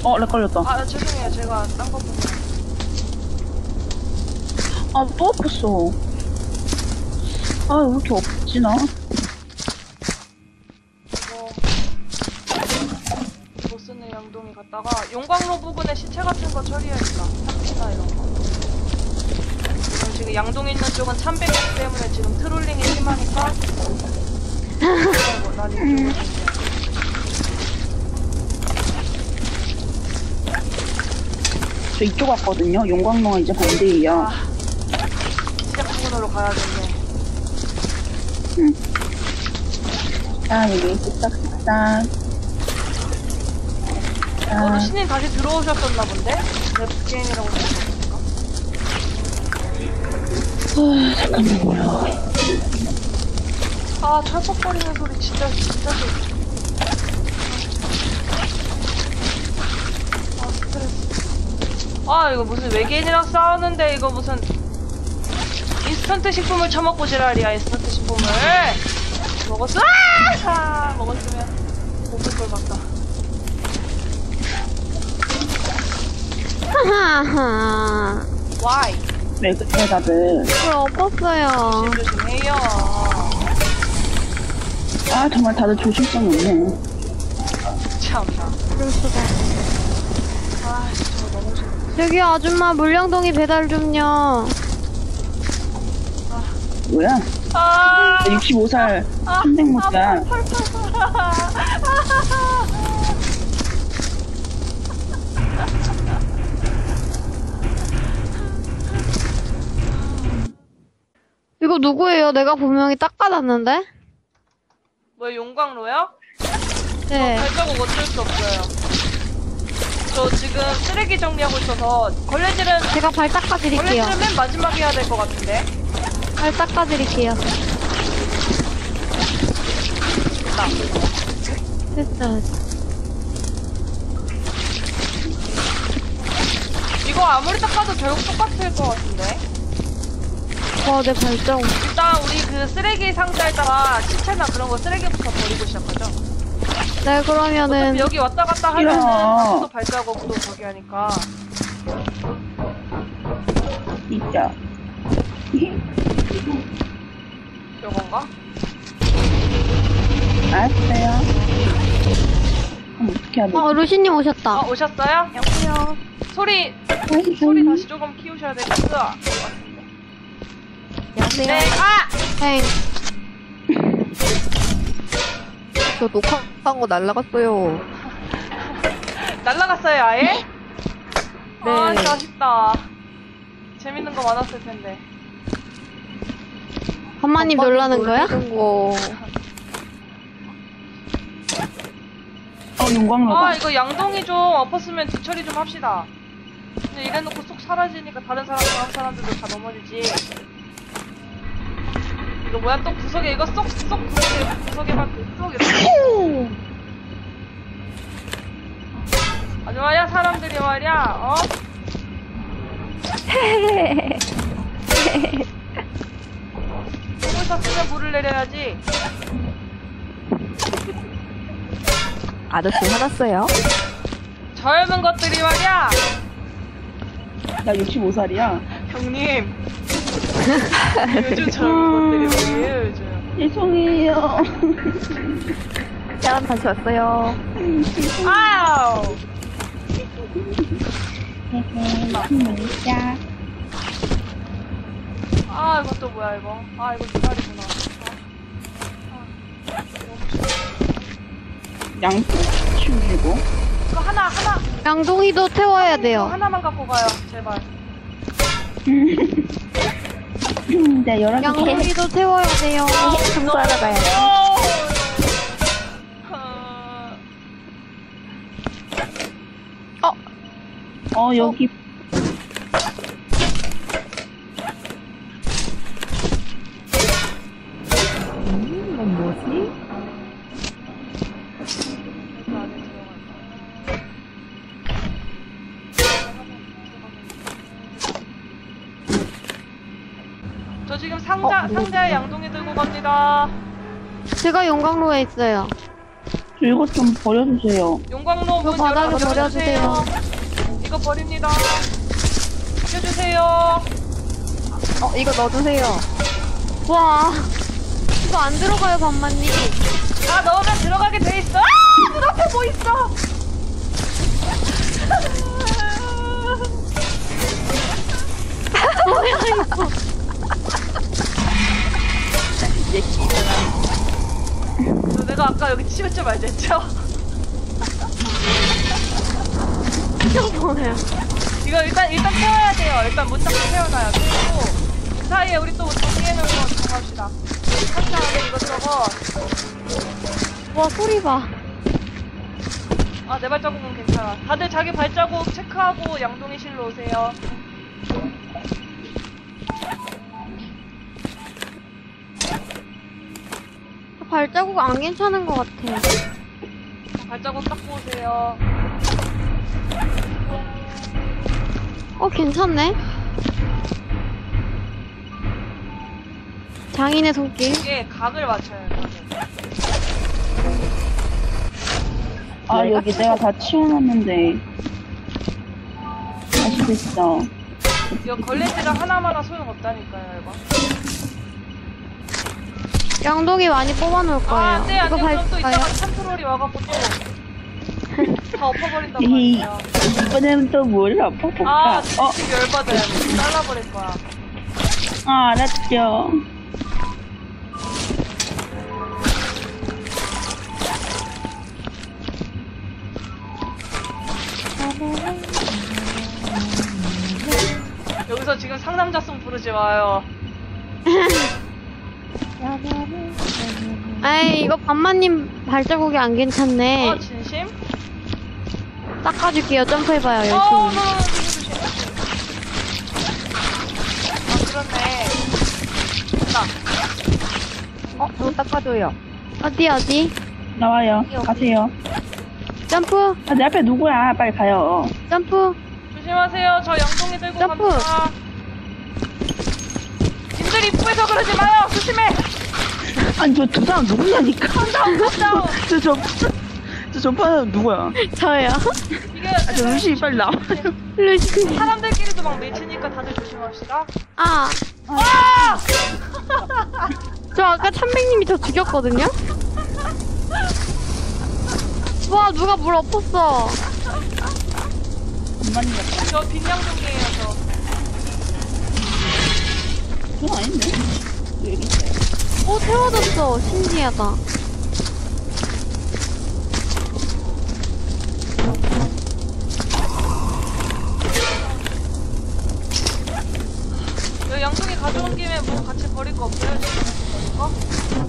렉 걸렸다. 아, 죄송해요. 제가 딴 거 보고. 또 엎었어. 왜 이렇게 엎지, 나? 이거 못 쓰는 양동이 갔다가 용광로 부근에 시체 같은 거 처리해야겠다. 참치나 이런 거. 지금 양동 있는 쪽은 참배기 때문에 지금 트롤링이 심하니까. 난 이쪽으로 저 이쪽 왔거든요. 용광로가 이제 반대예요. 시작 부근으로 가야겠네. 여기 쓱싹쓱싹. 루시님 다시 들어오셨었나 본데? 랩게임이라고 생각했을까? 잠깐만요. 철퍽거리는 소리 진짜 싫어. 스트레스. 이거 무슨 외계인이랑 싸우는데 이거 무슨 인스턴트 식품을 처먹고 지랄이야. 인스턴트 식품을 먹었어? 먹었으면 먹을 걸 같다. 하하하. Why? 왜 그래, 다들. 물 엎었어요. 조심해요. 정말 다들 조심성이 없네. 참나. 그럴 수가. 저거 너무 싫어. 저기 아줌마 물량동이 배달 좀요. 뭐야? 65살 순생모자. 이거 누구예요? 내가 분명히 닦아놨는데? 뭐 용광로요? 네. 발자국 어쩔 수 없어요. 저 지금 쓰레기 정리하고 있어서 걸레질은 제가 발 닦아드릴게요. 걸레질은 맨 마지막에 해야 될 것 같은데. 발 닦아드릴게요. 됐어. 이거 아무리 닦아도 결국 똑같을 것 같은데. 내 발자국. 일단 우리 그 쓰레기 상자에다가 시체나 그런 거 쓰레기부터 버리고 시작하죠. 네, 그러면은. 어차피 여기 왔다 갔다 하면은 또 발자국도 저기 하니까. 진짜. 요건가? 알았어요. 어떻게 해야 돼? 루시님 오셨다. 오셨어요? 여보세요. 소리 다시 조금 키우셔야 되겠어. 여보세요. 네, 네. 저 녹화한 거 날라갔어요. 날라갔어요, 아예? 네. 진짜 아쉽다. 재밌는 거 많았을 텐데. 한마님 놀라는 거야? 거. 용광로가. 이거 양동이 좀 엎었으면 뒤처리 좀 합시다. 근데 이래놓고 쏙 사라지니까 다른 사람들도 다 넘어지지. 이거 뭐야, 또 구석에 이거 구석에만 쏙 이렇게. 아주 말이야, 사람들이 말이야, 물을 샀으면 물을 내려야지. 아저씨 화났어요? 젊은 것들이 말이야. 나 65살이야. 형님. 요즘 젊은 것들이 뭐예요, 요즘. 죄송해요. 짠, 다시 왔어요. 아우! 진짜. 이건 또 뭐야, 이거. 이거 기다리구나. 양쪽 치우시고. 이거 하나. 양동이도 태워야 이거 돼요. 하나만 갖고 가요, 제발. 네, 여러 개. 양동이도 태워야 돼요. 청소하러 가야지. 여기. 이건 뭐지? 저 지금 상자에 양동이 들고 갑니다. 제가 용광로에 있어요. 저 이거 좀 버려주세요. 용광로 문 이거 바닥에 열어주세요. 이거 버립니다. 켜주세요. 이거 넣어주세요. 와. 이거 안 들어가요, 반만님. 아, 넣으면 들어가게 돼 있어. 아! 문 앞에 뭐 있어? 뭐야, 이거. 내가 아까 여기 치우지 말자 했죠? 이거 뭐야. 이거 일단 태워야 돼요. 일단 문 닫고 태워놔요. 그리고 그 사이에 우리 또 정리해놓은 거 정합시다. 상자 안에 이것저것. 와, 소리 봐. 아, 내 발자국은 괜찮아. 다들 자기 발자국 체크하고 양동이실로 오세요. 발자국 안 괜찮은 것 같아. 발자국 닦고 오세요. 괜찮네. 장인의 손길. 이게 각을 맞춰야 돼. 아, 여기 내가 다 치워놨는데. 다시 됐어. 이거 걸레질을 하나마나 소용없다니까요, 이거. 양동이 많이 뽑아놓을 거예요. 아, 안 돼, 안 돼. 이거 그럼 또 밟을까요? 이따가 컨트롤이 와갖고 또 다 엎어버린단 에이, 말이야. 이번에는 또 뭘 엎어볼까? 아, 진짜 열받아요. 잘라버릴 거야. 알았죠. 여기서 지금 상남자송 부르지 마요. 에이, 이거 반만님 발자국이 안 괜찮네. 진심? 닦아줄게요. 점프해봐요, 열심히. 조심. 아, 그렇네. 됐다. 저 닦아줘요. 어디? 나와요. 가세요. 점프, 아, 내 앞에 누구야? 빨리 가요. 점프. 조심하세요. 저 양동이 들고 점프. 갑니다. 님들 입구에서 그러지 마요. 조심해. 아니, 저 두 사람 누구냐니까. 컴다운. 저 전파는 누구야? 저요. 이게 저 루시 빨리 나와. 루시. 사람들끼리도 막 밀치니까 다들 조심합시다. 아, 아! 저 아까 참백님이 저 죽였거든요? 와, 누가 물 엎었어. 금반인 같다. 저 빈양동이에요, 저. 전 아닌데? 저 여기 있어요. 태워졌어. 신기하다. 여기 양동이 가져온 김에 뭐 같이 버릴 거 없어요? 지금 버릴 거?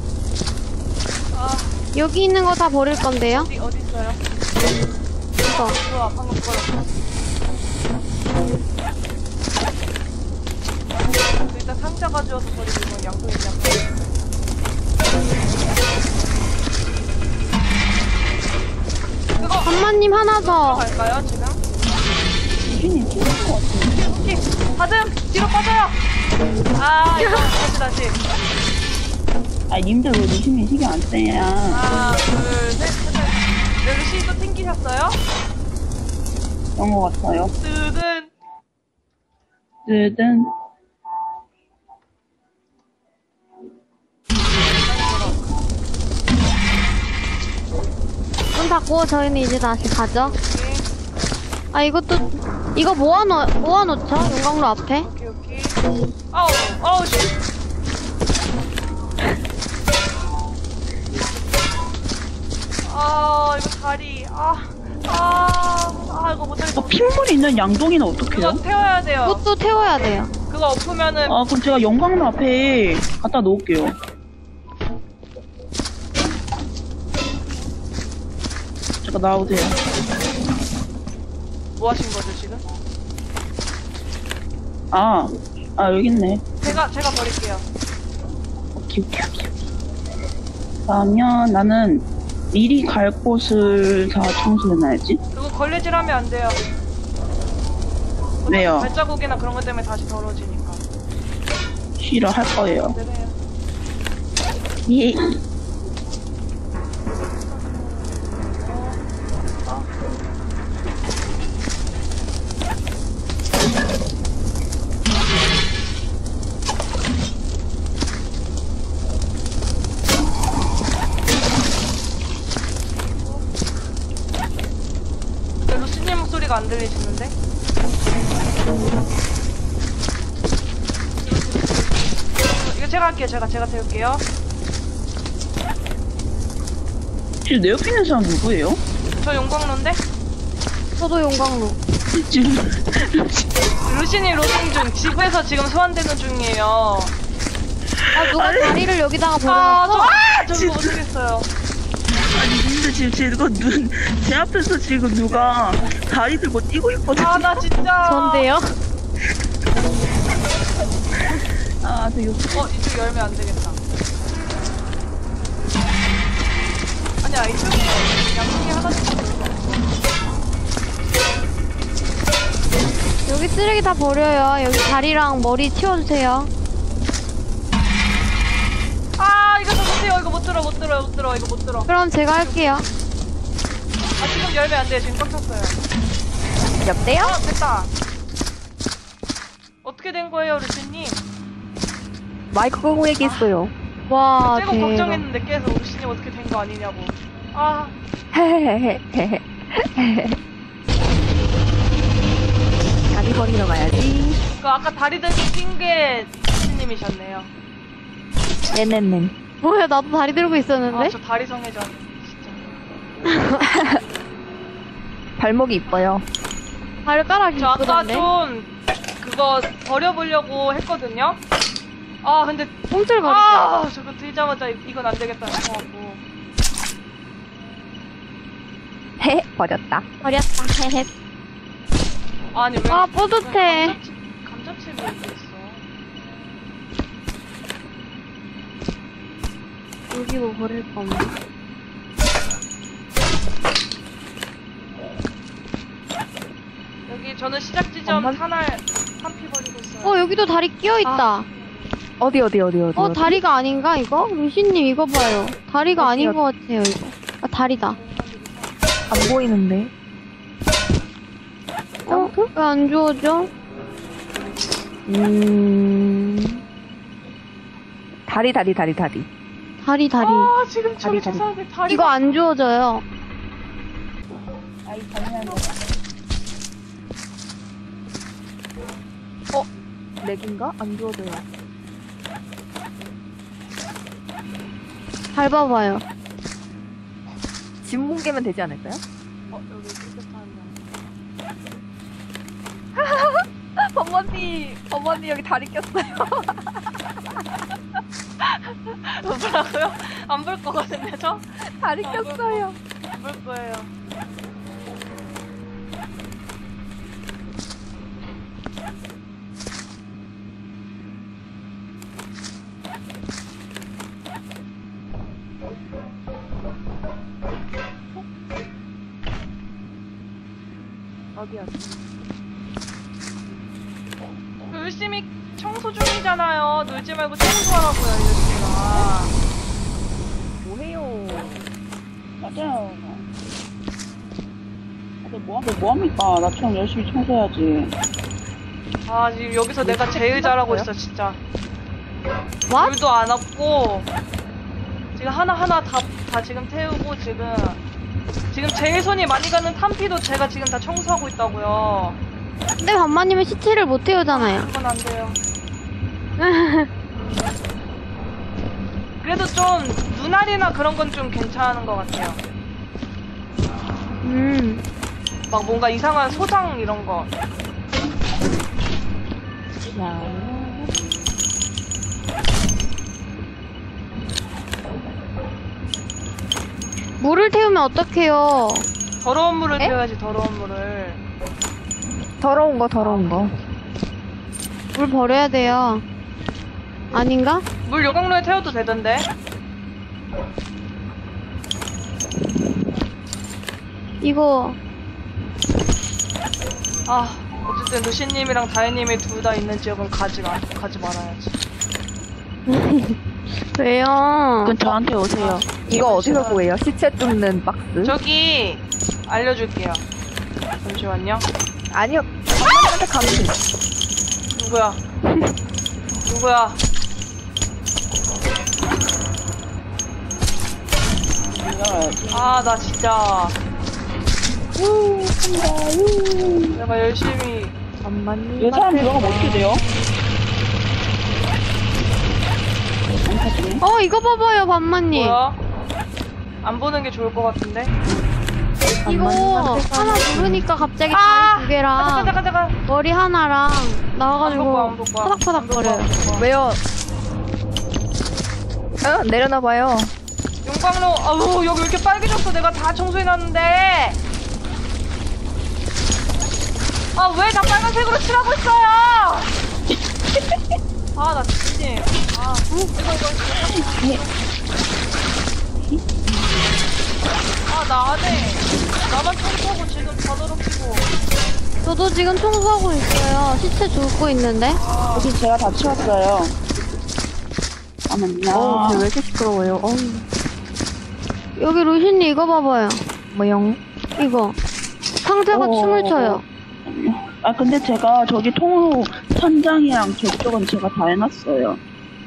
아, 여기 있는 거 다 버릴 건데요? 어디 있어요? 이거. 좋아, 방금 버렸어. 일단 상자 가져와서 버리고 이건 양동이 그냥. 그거 반만님 하나 더. 갈까요, 지금? 유진이 죽을 것 같은데. 오케이. 다듬! 뒤로 빠져요! 아, 이거 다시. 아, 님들 왜 유진이 신경 안 쓰냐. 하나, 둘, 셋. 루시 또 튕기셨어요? 그런 것 같아요. 뜨든. 뜨든. 문 닫고 저희는 이제 다시 가죠. 오케이, 아, 이거 모아놓죠? 용광로 앞에. 오케이. 아우, 씨. 아, 이거 다리. 이거 못하겠어. 핏물이 있는 양동이는 어떡해요? 그거 태워야 돼요. 그것도 태워야 돼요. 그거 엎으면은 아, 그럼 제가 영광로 앞에 갖다 놓을게요. 잠깐 나오세요. 뭐 하신 거죠, 지금? 여기 있네. 제가 버릴게요. 오케이. 그러면 나는 미리 갈 곳을 다 청소해놔야지. 그거 걸레질하면 안 돼요. 왜요? 발자국이나 그런 것 때문에 다시 더러워지니까. 쉬러 할 거예요. 네네. 예. 소리가 안 들리시는데? 이거 제가 할게요. 제가 태울게요. 지금 내 옆에 있는 사람 누구예요? 저 용광로인데? 저도 용광로. 지금 루시니 로딩 중. 지구에서 지금 소환되는 중이에요. 아, 누가 다리를 여기다가 아, 버려놨어? 저 못하겠어요. 아니 근데 지금 제 앞에서 지금 누가 다리 들고 뛰고 있거든요. 아, 나 진짜. 전데요? 아, 되게 이쪽 열면 안 되겠다. 아니야, 이쪽에 양쪽에 하나씩 들고. 여기 쓰레기 다 버려요. 여기 다리랑 머리 치워주세요. 아, 이거 못해요. 이거 못 들어. 이거 못 들어. 그럼 제가 할게요. 아, 지금 열면 안 돼. 지금 꽉 찼어요. 여보세요? 아, 됐다. 어떻게 된 거예요, 루시님? 마이크 끄고 얘기했어요. 와, 제가 대박. 걱정했는데 계속 루시님 어떻게 된 거 아니냐고. 아, 헤헤헤헤헤. 다리 버리러 가야지. 그 아까 다리 들고 뛴 게 루시님이셨네요. 네네네. 뭐야, 나도 다리 들고 있었는데? 아, 저 다리 성애전. 진짜. 발목이 이뻐요. 발가락이 저 아까 이쁘던데? 좀 그거 버려보려고 했거든요. 아, 근데 꿈틀거리죠? 아, 저거 들자마자 이건 안 되겠다 싶어갖고. 헤 버렸다. 버렸다. 헤헤. 아니 왜? 아, 뿌듯해. 감자칩이 여기 있어. 여기 뭐 버릴 거 없나? 여기 저는 시작 지점 엄마? 탄피 버리고 있어요. 여기도 다리 끼어있다. 어디. 다리가 아닌가, 이거? 루시님, 이거 봐요. 다리가 아닌 것 같아요, 이거. 아, 다리다. 안 보이는데. 왜 안 주워져? 다리. 다리. 아, 지금 저기 저 다리. 사람들 다리. 이거 안 주워져요. 렉인가? 안 주워져요. 밟아봐요. 진문 깨면 되지 않을까요? 여기 깨끗한. 어머니 여기 다리 꼈어요. 뭐라고요? 안 볼 거거든요, 저? 다리 꼈어요. 안 볼 거예요. 어디야? 열심히 청소 중이잖아요. 놀지 말고 청소하라고요, 이러시구나. 뭐해요? 맞아요. 뭐합니까? 나처럼 열심히 청소해야지. 아, 지금 여기서 내가 제일 잘하고 있어, 진짜. What? 물도 안 없고, 지금 하나하나 다 지금 태우고, 지금 제일 손이 많이 가는 탄피도 제가 지금 다 청소하고 있다고요. 근데 반마님은 시체를 못 태우잖아요. 그건 안 돼요. 그래도 좀 눈알이나 그런 건 좀 괜찮은 것 같아요. 막 뭔가 이상한 소장 이런 거. 물을 태우면 어떡해요? 더러운 물을 에? 태워야지, 더러운 물을. 더러운 거. 물 버려야 돼요. 아닌가? 물 요강로에 태워도 되던데. 이거 아, 어쨌든 루시님이랑 다혜님이 둘 다 있는 지역은 가지 말아야지. 왜요? 그럼 저한테 오세요. 이거 어디서 구해요? 시체 뚫는 박스? 저기 알려줄게요. 잠시만요. 아니요. 엄마한테 가면 돼. 누구야? 누구야? 올라가야지. 아, 나 진짜. 내가 열심히. 잠만요. 이 사람 들어가면 어떻게 돼요? 안 타지네. 이거 봐봐요, 반만님. 뭐야? 안 보는 게 좋을 것 같은데? 이거 하나 누르니까 갑자기 아! 다리 두 개랑 잠깐. 머리 하나랑 나와가지고 안 볼 거야. 파닥파닥거려요. 왜요? 내려놔봐요. 용광로, 아우, 여기 왜 이렇게 빨개졌어? 내가 다 청소해놨는데! 아, 왜 다 빨간색으로 칠하고 있어요! 아, 나 진심. 아, 이거. 아, 나 안 해. 나만 청소하고 지금 다 더럽히고. 저도 지금 청소하고 있어요. 시체 줍고 있는데. 여기 제가 다 치웠어요. 잠깐만요. 쟤왜 이렇게 시끄러워요? 여기 루시님 이거 봐봐요. 뭐영? 이거. 상자가 춤을 춰요. 아, 근데 제가 저기 통로 천장이랑 저쪽은 제가 다 해놨어요.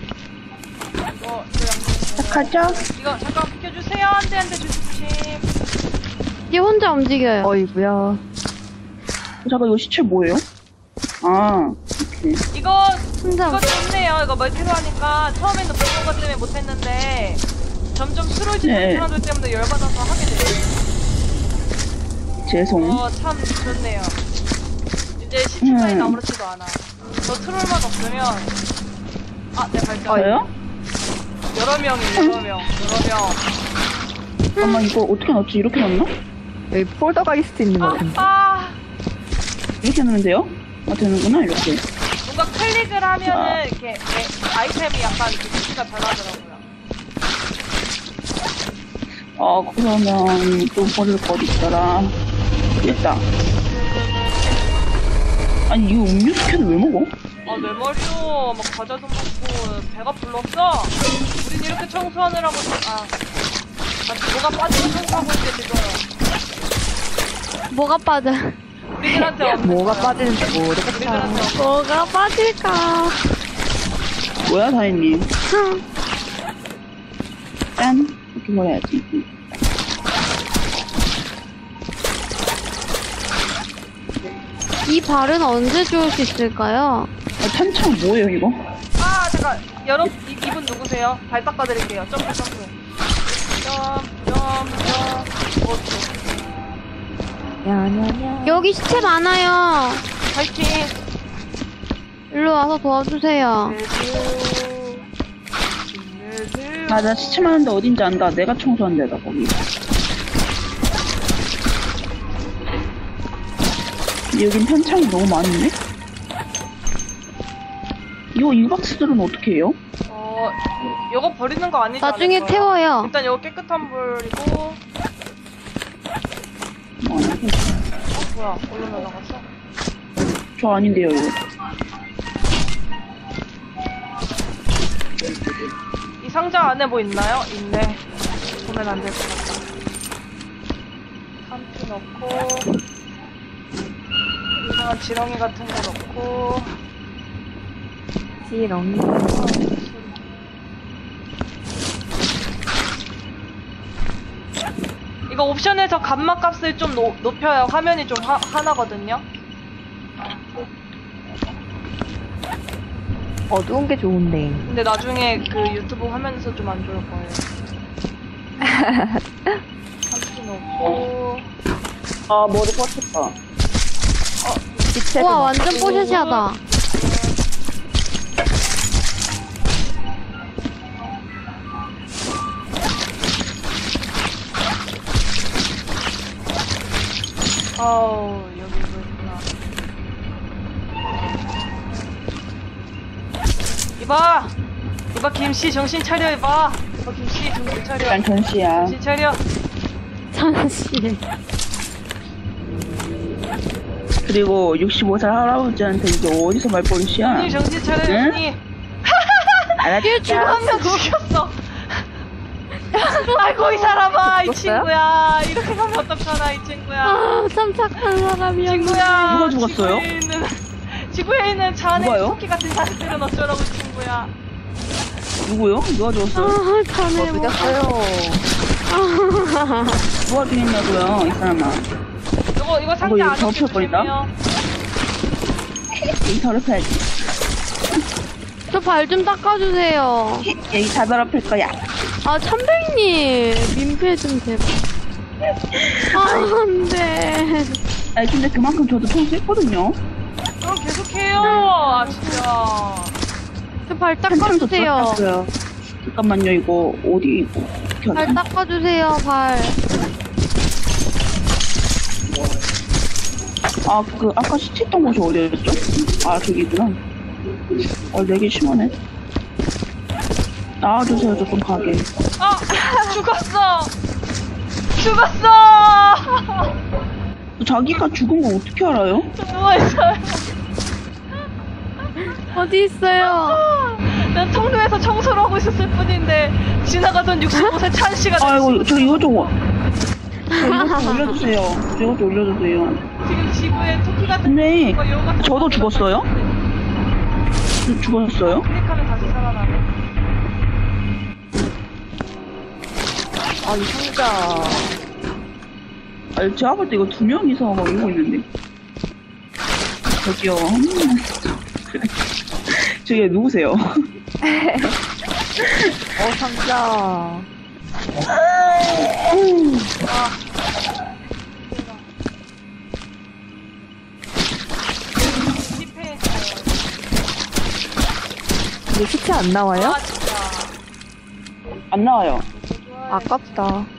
시작하죠? 이거 잠깐 비켜주세요. 안 돼, 조심. 얘 혼자 움직여요. 어이구야. 잠깐, 이거 시체 뭐예요? 아, 오케이. 이거 혼자. 좋네요. 이거 멀티로 하니까 처음에는 못본 것 때문에 못했는데 점점 스로이즈는 네. 사람들 때문에 열받아서 하게 돼요. 죄송. 참 좋네요. 이제 시체만이 음. 아무렇지도 않아. 저 트롤만 없으면 내 발전. 저요? 여러 명. 잠깐만, 이거 어떻게 넣지? 이렇게 넣나? 여기 폴더가 있을 수 있는 거 같은데. 이렇게 넣으면 돼요? 아, 되는구나, 이렇게. 뭔가 클릭을 하면은 이렇게 아이템이 약간 이렇게 표시가 달라지더라고요. 그러면 또 버릴 거 어디 있더라. 됐다. 아니, 이거 음료수 캔을 왜 먹어? 내 머리요. 막 과자도 먹고 배가 불렀어. 우린 이렇게 청소하느라고 뭐가 빠지고 청소하고 있는데 지금. 뭐가 빠져? 우리들한테 없는 뭐가 거야. 빠지는지 모르겠다. 우리들한테 없는 뭐가 빠질까? 뭐야, 다혜님. 짠. 이렇게 버려야지. 이 발은 언제 주울 수 있을까요? 탄창 뭐예요, 이거? 잠깐. 이분 누구세요? 발 닦아드릴게요. 점프. 야냐냐. 여기 시체 많아요. 파이팅. 일로 와서 도와주세요. 맞아, 시체 많은데 어딘지 안다. 내가 청소한 데다, 거기. 근데 여긴 탄창이 너무 많은데? 이 박스들은 어떻게 해요? 요거 버리는 거 아니지 나중에 않을까요? 태워요. 일단 요거 깨끗한 물이고. 뭐야? 어디로 날아갔어? 저 아닌데요, 이거. 이 상자 안에 뭐 있나요? 있네. 보면 안 될 것 같다. 한피 넣고, 이상한 지렁이 같은 거 넣고. 지렁이. 이거 옵션에서 감마 값을 좀 높여야 화면이 좀 환하거든요. 어두운 게 좋은데. 근데 나중에 그 유튜브 화면에서 좀 안 좋을 거예요. 한피 넣고. 머리 뻗쳤다. 시체도 우와, 넣고. 완전 뽀샤시하다. 여기 뭐 있구나. 이봐 김씨 정신 차려. 이봐 김씨 정신 차려. 약간 전시야. 정신 차려. 잠시. 그리고 65살 할아버지한테 이게 어디서 말버릇이야? 형님 정신 차려. 응? 형님. 알았지? 죽어 한 명 죽였어. 아이고 이 사람아, 이 죽었어요? 친구야. 이렇게 가면 어떡하나 이 친구야. 참 착한 사람이었는데. 친구야. 누가 죽었어요? 지구에 있는 자네 누가요? 토끼 같은 자식들은 어쩌라고 친구야. 누구요? 누가 죽었어요? 자네 뭐. 늦었어요. 누가 죽였냐고요, 이 사람아. 이거 상자 이거 안 덮여 버린다? 없애주세요. 여기 더럽혀야지. 저 발 좀 닦아주세요. 여기 다 더럽힐 거야. 아, 참백님. 민폐 좀 제발. 아, 안 돼. 아니, 근데 그만큼 저도 통수했거든요. 그럼 계속해요. 아 진짜. 저 발 한참도 닦아주세요. 닦았어요. 잠깐만요, 이거 어디 이거 어떻게 발 하지? 닦아주세요, 발. 아, 그 아까 시체했던 곳이 어디였죠? 아, 저기구나. 되게 심하네. 나와주세요, 조금 가게. 아 죽었어. 죽었어. 자기가 죽은 거 어떻게 알아요? 저 누워 있어요. 어디 있어요? 난 통로에서 청소를 하고 있었을 뿐인데 지나가던 65세 찬 씨가 아이고, 저 이거 좀 올려주세요. 이거 좀 올려주세요. 지금 지구에 토끼 같은 근데 거 요 같은 저도 거 죽었어요? 죽었어요? 클릭하면 다시 살아나네. 아, 이 상자. 아니, 제가 볼 때 이거 2명이서 막 이러고 있는데. 저기요. 저기 누구세요? 상자. 실패했어요. 이거 시체 안 나와요? 아 진짜. 안 나와요. 좋아요. 아깝다.